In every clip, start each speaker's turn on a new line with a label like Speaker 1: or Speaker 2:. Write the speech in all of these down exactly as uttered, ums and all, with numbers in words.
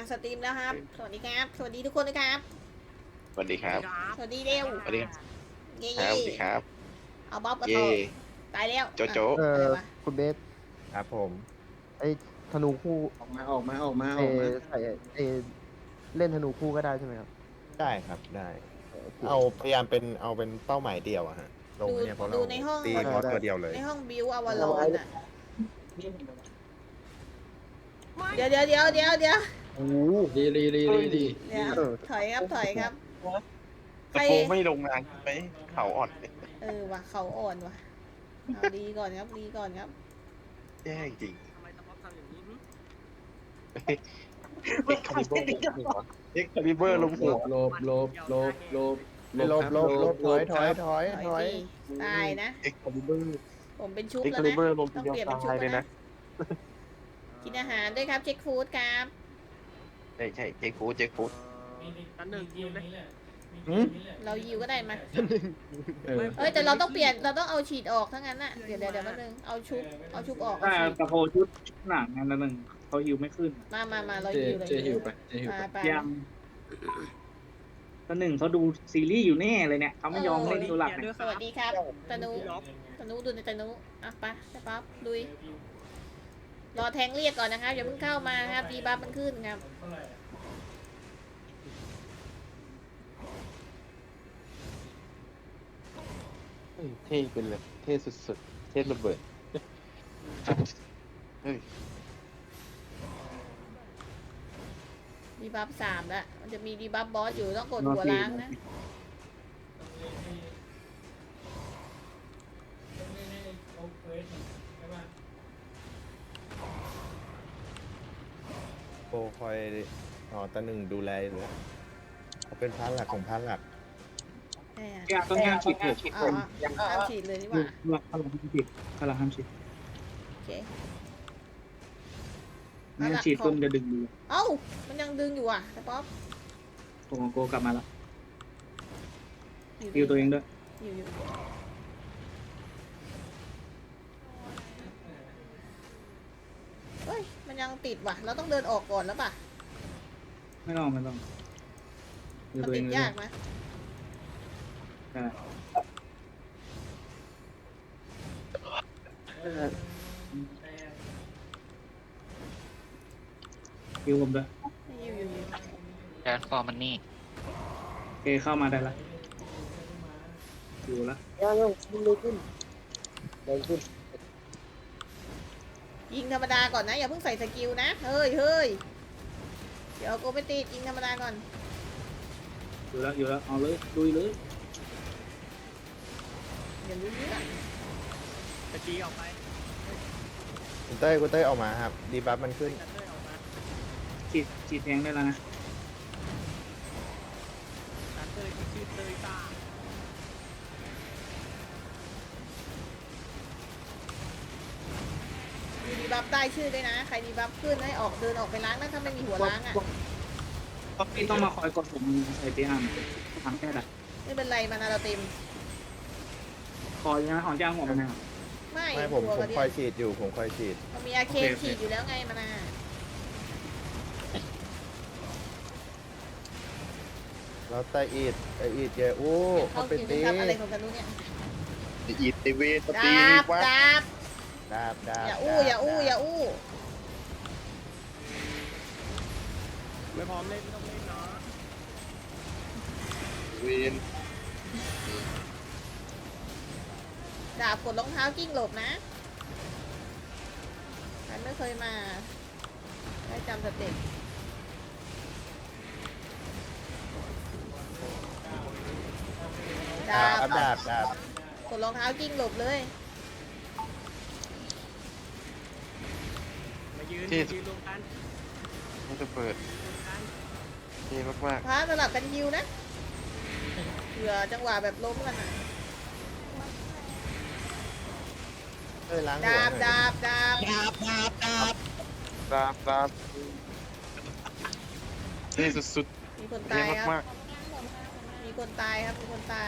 Speaker 1: สตรีมแล้วครับ สวัสดีครับ สวัสดีทุกคนนะครับ
Speaker 2: สวัสดีครับ
Speaker 1: สวัสดีเร็ว
Speaker 2: สวัสดีครับ
Speaker 1: เย่
Speaker 2: ครั
Speaker 1: เย่
Speaker 2: บสวัสดีครับ
Speaker 1: เอาบ๊อบกระ
Speaker 2: เย่
Speaker 1: โตตายแล้ว
Speaker 2: โจโจ้
Speaker 1: อ่ะ
Speaker 3: เอ
Speaker 1: อะไร
Speaker 3: อ
Speaker 1: วะ
Speaker 3: คุณเบส
Speaker 4: ครับผม
Speaker 3: ไอ้ธนูคู่
Speaker 5: ออกมาออกมาออกมา
Speaker 3: เอ
Speaker 5: ออกมา
Speaker 3: ใส่เอเล่นธนูคู่ก็ได้ใช่ไหมครับ
Speaker 4: ได้ครับได้
Speaker 3: โอเค
Speaker 4: เอาพยายามเป็นเอาเป็นเป้าหมายเดียวอะฮะลง
Speaker 1: ดู
Speaker 4: เนี่ยเพราะ
Speaker 1: ดู
Speaker 4: เรา
Speaker 1: ในห้อง
Speaker 4: ตีบอสตัวเดียวเลย
Speaker 1: ในห้องบิวอวารอนอ่ะ เดี๋ยวเดี๋ยวเดี๋ยวเดี๋ยวเดี๋ยว
Speaker 5: โอ้ดีดีดีดีดี
Speaker 1: เดี๋ยวถอยครับถอยครับ ใค
Speaker 2: ตะ
Speaker 1: ร
Speaker 2: โกไม่ลงงานไหมเขาอ่อน
Speaker 1: เออว่ะเขาอ่อนว่ะ เอาดีก่อนครับดีก่อนครับ
Speaker 2: แย่จริง
Speaker 6: ทำไมตะป๊อกทำอย่างนี้หึ
Speaker 2: เอ็กคาลิเบอร์เอ็กคาลิเบอร์ลง
Speaker 5: หล
Speaker 2: หัว
Speaker 5: บหลบหลบหลบหลบ
Speaker 4: ลบลบลบถอยถอยถอย
Speaker 1: ถอย
Speaker 4: ถอย
Speaker 1: สิตายนะ
Speaker 2: เอ็กคาลิเบอร์
Speaker 1: ผมเป็นชุบ
Speaker 2: เอ็ก
Speaker 1: แล้ว
Speaker 2: คาลิ
Speaker 1: นะ
Speaker 2: เบอร์ลง
Speaker 1: ต้อง
Speaker 2: เดียว
Speaker 1: เปลี่ยนเป็นชุบ
Speaker 2: ตาย
Speaker 1: แล้
Speaker 2: เลยว นะ
Speaker 1: นะ กินอาหารด้วยครับ เช็คฟู้ดครับ
Speaker 2: ใช่ใช่เจ๊ฟูดเจ๊ฟูด
Speaker 6: อันหนึ่งยิวไหม
Speaker 1: เรายิวก็ได้มา
Speaker 5: เออ
Speaker 1: เอ้ยแต่เราต้องเปลี่ยน เราต้องเอาฉีดออกทั้งนั้นน่ะ เดี๋ยวเดี๋ยวเดี๋ยวแป๊บนึง เอาชุบ เอาชุบออกเอา
Speaker 7: ถ้า
Speaker 1: ฉีด
Speaker 7: ตะโพชุดหนังอันนั้นหนึ่งเขาฮิวไม่ขึ้น
Speaker 1: มามามาเรา
Speaker 5: เจ
Speaker 1: ยิวเลย
Speaker 5: เจหิวไปเจหิว
Speaker 1: ไป
Speaker 5: ไป
Speaker 1: ไป
Speaker 7: ยังตอนหนึ่งเขาดูซีรีส์อยู่แน่เลยเนี่ยเขาไม่ยอมเล่นตัวหลักเนี่ย
Speaker 1: สวัสดีครับตะนุ
Speaker 6: ล็อก
Speaker 1: ตะนุดูในตะนุอ่ะไปไปปั๊บลุย รอแทงเรียกก่อนนะครับอย่าเพิ่งเข้ามาครับดีบัฟมันขึ้นครับ
Speaker 2: เท่เป็นเลยเท่สุดๆเท่ระเบิดเฮ้ย
Speaker 1: ดีบัฟสามแล้วมันจะมีดีบัฟบอสอยู่ต้องกดหัวล้างนะ
Speaker 4: โปรคอยอ๋อตาหนึ่งดูแลอยู่เลยเขาเป็นพาร์ทหลักของพาร์ทหลัก
Speaker 1: ใช่อะ
Speaker 7: ยากต้องห้ามฉีดห้ามฉีด
Speaker 1: เอา
Speaker 7: คน
Speaker 1: เอาห้ามฉีดเลยดีก
Speaker 7: หยุ
Speaker 1: ว่า
Speaker 7: ดพลังห้ามฉีดพลังห้ามฉีด
Speaker 1: โอเค
Speaker 7: ไม่งั้นฉีดคนจะดึงดู
Speaker 1: เอ้ามันยังดึงอยู่อ่ะแต่ป๊อป
Speaker 7: โกงโกกลับมาแล้ว
Speaker 1: อยู่
Speaker 7: ฮิวตัวเองด้วย
Speaker 1: อยู่อยู่เฮ้ยมันยังติดว่ะ เราต้องเดินออกก่อนแล้วป่ะ
Speaker 7: ไม่ต้องไม่ต้องฮิว
Speaker 1: มัน
Speaker 7: ตัวเอ
Speaker 1: ติ
Speaker 7: ง
Speaker 1: ด
Speaker 7: เลย
Speaker 1: ยากนะ
Speaker 7: ใช่ฮิวผมด้วย
Speaker 1: อยู่อยู่อยู่
Speaker 8: แดนฟอร์มันนี่
Speaker 7: โอเคเข้ามาได้ละฮิวละ
Speaker 1: ยิงธรรมดาก่อนนะอย่าเพิ่งใส่สกิลนะเฮ้ยเฮ้ยเดี๋ยวกูไม่ติดยิงธรรมดาก่อน
Speaker 7: อยู่แล้วอยู่แล้วเอาเลยลุยเลย
Speaker 1: อย่าลืมเรื่อง
Speaker 6: ตะกี้ออกไป
Speaker 4: คุณเต้ยคุณเต้ยออกมาครับ ดีบัฟมันขึ้น
Speaker 6: จัดเลยออกมา
Speaker 7: ฉีดฉีดแทงได้แล้วนะ
Speaker 6: จัดเลยที่ชื่อเตยตา
Speaker 1: มีดีบัฟใต้ชื่อด้วยนะใครดีบัฟขึ้นให้ออกเดินออกไปล้างนะถ้าไม่มีหัวล้างอ่ะ
Speaker 7: พี่ต้องมาคอยกดผมใส่ตีหันทำแค่ไหน
Speaker 1: ไม่เป็นไรมานาเราเต็ม
Speaker 7: คอยนะของจ้างหัวมันนะครับ
Speaker 1: ไม่
Speaker 4: ไม่ผม
Speaker 1: หัว
Speaker 4: ผ
Speaker 1: กระ
Speaker 4: ม
Speaker 1: เดี
Speaker 4: ค
Speaker 1: ย
Speaker 4: อยว ฉีดอยู่ผมคอยฉีด
Speaker 1: มันมีอาเค
Speaker 7: โอเคโอเค
Speaker 1: ฉีดอยู่แล้วไงมานา
Speaker 4: แล้วไตอีดไตอีดเยอะโอ้
Speaker 1: เขา
Speaker 4: เขาเป็น
Speaker 1: กิน
Speaker 4: ตี
Speaker 1: ทำอะไรของกันรู้เนี่ย
Speaker 2: อีตีเวสตี
Speaker 1: ดาบ
Speaker 2: วัด
Speaker 1: ดาบ
Speaker 4: ดาบดาบ
Speaker 1: อย่าอู้อย่าอู้อย่าอู้
Speaker 6: ไม่พร้อมเล่นไม่ต้องเล่นเนาะ
Speaker 2: เวน
Speaker 1: ดาบกดรองเท้ากิ้งหลบนะใครไม่เคยมาได้จำสเต็ปดา
Speaker 4: ดา
Speaker 1: บบ
Speaker 4: ดาบดาบ
Speaker 1: กดรองเท้ากิ้งหลบเลย
Speaker 6: มายืนยืนรวมกัน
Speaker 2: มันจะเปิด
Speaker 6: รวมกัน
Speaker 2: เท่มาก
Speaker 1: พาสลับกันยิวนะเผื่อจังหวะแบบล้มกันนะ
Speaker 4: เต้ยล้างหัว
Speaker 1: ดาบ
Speaker 4: หน่อย
Speaker 1: ดาบดาบ
Speaker 8: ดาบดาบดาบ
Speaker 2: ๆดาบดาบเท่สุด
Speaker 1: มีคน
Speaker 2: ๆเท่
Speaker 1: ตายครับ
Speaker 2: มาก
Speaker 1: มีคนตายครับมีคนตาย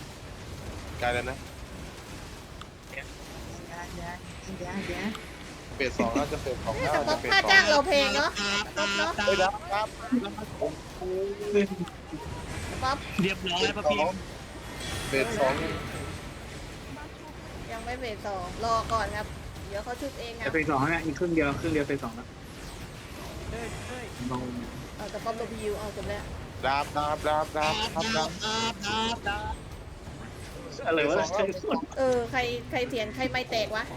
Speaker 2: ๆกลายแล้วนะฟสสองแล้วจะเฟสสอง
Speaker 1: เอ๊ะ
Speaker 2: แล้ว
Speaker 1: แต่ป๊อ
Speaker 2: จะ
Speaker 1: ป
Speaker 2: เฟส
Speaker 1: ค่า
Speaker 2: สอง
Speaker 1: จ้างเราแพงเนาะป๊อปเนาะ
Speaker 2: เฮ้ยครับครับ
Speaker 1: ป๊อป
Speaker 8: เรียบร้อยพระพิมพ์
Speaker 2: เฟสสอง
Speaker 1: ยังไม่เฟสสองรอก่อนครับ เดี๋ยวเขาชุบเองครั
Speaker 7: แต่
Speaker 1: บ
Speaker 7: เฟสสองเนี่ยอีกครึ่งเดียวครึ่งเดียวเฟสสองแล้ว
Speaker 6: เฮ้ยเฮ้ย
Speaker 7: ลอง
Speaker 1: เอาแต่ป๊อปลบยิวเอาจบแล้ว
Speaker 2: ดาบดาบดาบดาบดาบดาบ
Speaker 7: อะไรวะ
Speaker 1: เออใครใครเถียนใครไม่แตกวะ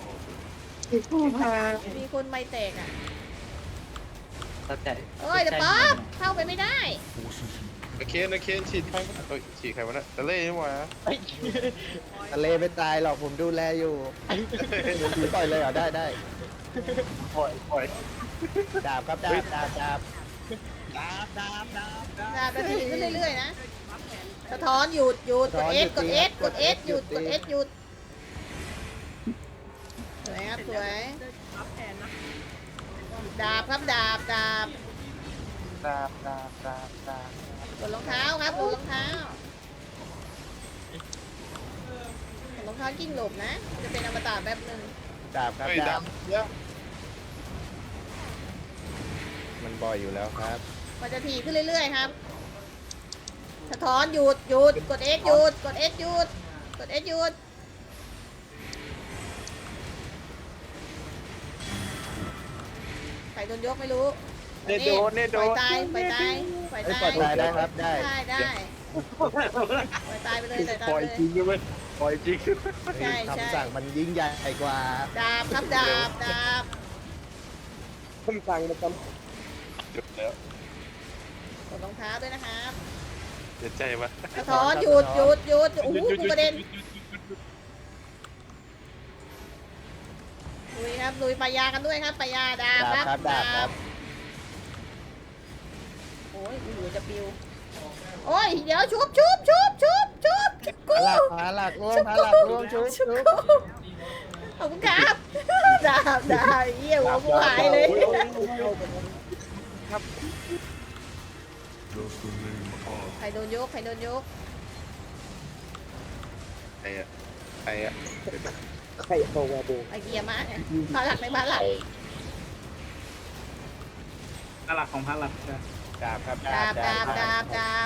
Speaker 1: มีคนไม่แตกอ่ะ
Speaker 8: เข้าใจ
Speaker 1: เอ้ยแต่ป๊อปเข้าไปไม่ได้
Speaker 2: โอเคโอเคฉีดใครวะเอ้ยฉีดใครวะเนี่ยตะเล่นี่หว่า
Speaker 3: ทะเลไม่ตายหรอกผมดูแลอยู่ปล่อยเลยเหรอได้ได้
Speaker 2: ปล่อยปล่อย
Speaker 3: ดาบครับดาบดาบดาบ
Speaker 8: ดาบดาบดาบดาบ
Speaker 1: ดาบนาทีขึ้นเรื่อยๆนะสะท้อนหยุดหยุดกด S กด S กด S หยุดกด S หยุดสวยครับสวย
Speaker 6: รับแทนนะ
Speaker 1: ดาบครับดาบดาบ
Speaker 2: ดาบดาบดาบดาบ
Speaker 1: กดรองเท้าครับกดรองเท้า รองเท้ากิ้งหลบนะ จะเป็นอมตะแบบหนึ่ง
Speaker 3: ดาบครับ
Speaker 2: เฮ้ย
Speaker 3: ดา
Speaker 2: ดา
Speaker 3: บบ
Speaker 2: เยอะ
Speaker 4: มันบ่อยอยู่แล้วครับ
Speaker 1: มันจะถี่ขึ้นเรื่อยๆครับ สะท้อนหยุดหยุดกด X หยุดกด S หยุดกด S หยุดใครโดนยกไม่รู้
Speaker 2: เนโดนเนโด
Speaker 1: ปล่อย
Speaker 2: น
Speaker 1: ตายปล่อยตายปล่อย
Speaker 3: เอ้ย
Speaker 1: ตาย
Speaker 3: ปล่อยตายได้ครับได้
Speaker 1: ได้ได้ปล่อยตายไปเลยปล่อยตาย
Speaker 2: ปล่
Speaker 1: ไป
Speaker 2: อย
Speaker 1: เลย
Speaker 2: จริงด้วยปล่อยจริง
Speaker 1: ใช่ใช่
Speaker 3: คำสั่งมันยิ่งใหญ่กว่า
Speaker 1: ดาบครับดาบดาบ
Speaker 2: คำสั่งมันจำจุดแล้ว
Speaker 1: กดรองเท้าด้วยนะครับ
Speaker 2: เสียใจปะ
Speaker 1: สะท้อนหยุดหยุดหยุดโอ้โหกูกระเด็นลุยครับลุยปลายากันด้วยครับปลายาดาบ
Speaker 3: ดาบ
Speaker 1: ครับ
Speaker 3: ครับดาบครับ
Speaker 1: โอ้ยกูอยู่จะปิวโอ้ยเดี๋ยวชุบชุบชุบชุบชุบชุบกู
Speaker 3: ผาหลักผาหลักร่วงผาหลักร่วงชุบ
Speaker 1: ชุ
Speaker 3: ชุ
Speaker 1: บบ กูขอบคุณครับดาบดาบเยี่ยหัวกูหายเลย ใครโดนยกใครโดนยก
Speaker 2: ไอ้อะไอ้อะ
Speaker 3: ใครโตวาโบ
Speaker 1: ไอเกียร์มาเนี่ยพาหลักในบ้านหลัก
Speaker 7: พระหลักของพระหลักใช่
Speaker 3: ดาบครับ
Speaker 1: ดาบดาบดาบดาบ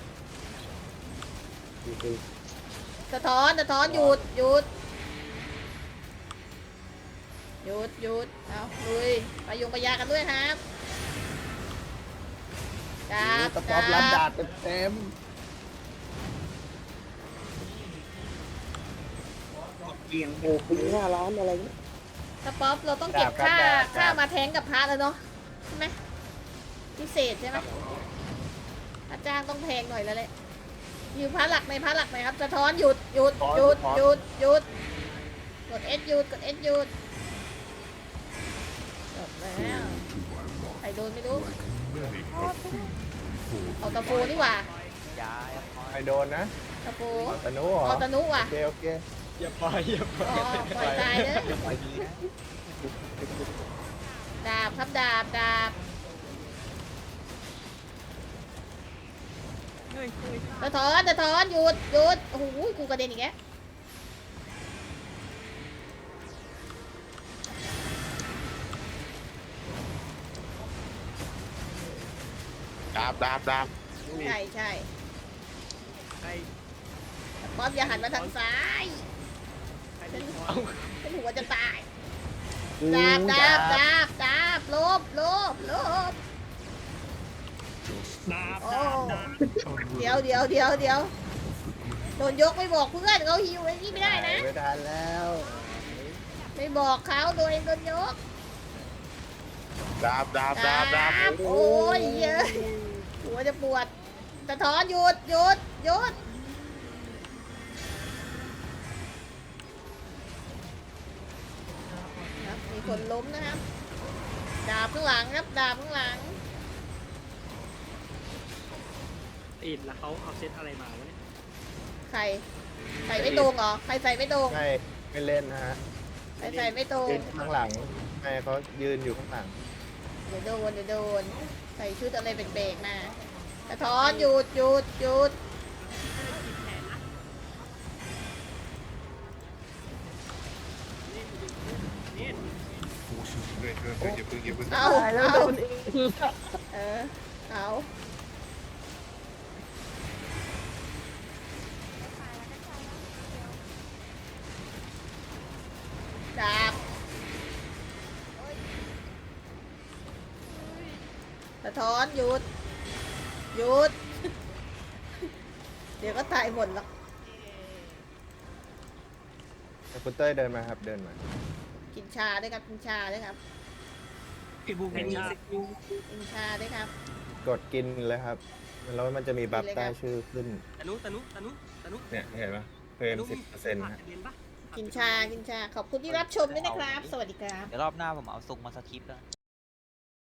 Speaker 1: สะท้อนสะท้อนหยุดหยุดหยุดหยุดเอาลุยไปยงไปยากันด้วยครับดาบ
Speaker 3: ตะป๊อบรับดาบเต็ม
Speaker 7: เรียง
Speaker 3: โอ้ปีหน้าร้านอะไรเนี่ย
Speaker 1: สป๊อปเราต้องเก็บค่าค่ามาแทงกับพระแล้วเนาะใช่ไหมพิเศษใช่ไหมอาจารย์ต้องแพงหน่อยแล้วแหละอยู่พระหลักในพระหลักไหมครับสะท้อนหยุดหยุดหยุดหยุดหยุดกด S หยุดกด S หยุดจบแล้วใครโดนไม่รู้เอาตะปูนี่หว่า
Speaker 4: ใครโดนนะ
Speaker 1: ตะปู
Speaker 4: ตะนุเหรอ
Speaker 1: เอาตะนุว่ะ
Speaker 4: โอเคโอเค
Speaker 5: อย่าปล่อยอย่าปล่อย
Speaker 1: อ๋อปล่อยตายเลยดาบครับดาบดาบ
Speaker 6: เฮ้ยเฮ้ย
Speaker 1: สะท้อนสะท้อนหยุดหยุดโอ้โหกูกระเด็นอีกแล้ว
Speaker 2: ดาบดาบดาบ
Speaker 1: ใช่ใช่
Speaker 6: ใคร
Speaker 1: ป๊อปอย่าหันมาทางซ้าย
Speaker 6: ใครเป็นหัว
Speaker 1: ฉันหัวจะตาย
Speaker 3: อืม
Speaker 1: ดาบดาบดาบดาบลบลบลบ
Speaker 8: ดาบ
Speaker 1: โอ้
Speaker 8: ดาบดาบ
Speaker 1: เดี๋ยวเดี๋ยวเดี๋ยวเดี๋ยวโดนยกไม่บอกเพื่อนเขาหิวไอ้นี่ไม่ได้นะ
Speaker 3: ไม่ทันแล้ว
Speaker 1: ไม่บอกเขาโดนโดนยก
Speaker 2: ดาบดาบดาบดาบ
Speaker 1: โอ้ยเยอะหัวจะปวดสะท้อนหยุดหยุดหยุดครับมีคนล้มนะครับ ดาบข้างหลังครับดาบข้างหลัง
Speaker 6: อินแล้วเขาเอาเซตอะไรมาวะเนี่ย
Speaker 1: ใครใส่ไม่ตรงเหรอใครใส่ไม่ตรง
Speaker 4: ไม่ไม่เล่นนะฮะ
Speaker 1: ใครใส่ไม่ตรง
Speaker 4: ยืนข้างหลังไม่เขายืนอยู่ข้างหลัง
Speaker 1: เดี๋ยวโดนเดี๋ยวโดนใส่ชุดอะไรเบรกๆมาสะท้อนหยุดหยุดหยุด
Speaker 6: นี่
Speaker 1: เอา
Speaker 3: ตายแล้ว
Speaker 1: เอา
Speaker 3: โดนเอง
Speaker 1: เออเอาดาบสะท้อนหยุดหยุด เดี๋ยวก็ตายหมดหรอก
Speaker 4: แต่คุณเต้ยเดินมาครับเดินมา
Speaker 1: กินชาด้วยครับกินชาด้วยครับ
Speaker 8: พี่บูมเป็นชา
Speaker 1: กินชาด้วยครับ
Speaker 4: กดกินเลยครับ แล้วมันจะมีบัฟ
Speaker 1: กินเลยครับ
Speaker 4: ใต้ชื่อขึ้น
Speaker 6: ตะนุตะนุตะนุตะนุ
Speaker 4: เนี่ยเห็นปะเพิ่มสิบเปอร์เซ็นต์ฮะ
Speaker 6: เรียนปะ
Speaker 1: กินชากินชาขอบคุณที่รับชมด้วยนะครับ สวัสดีครับ
Speaker 8: เดี๋ยวรอบหน้าผมเอาทรงมาสคริปต์แล้ว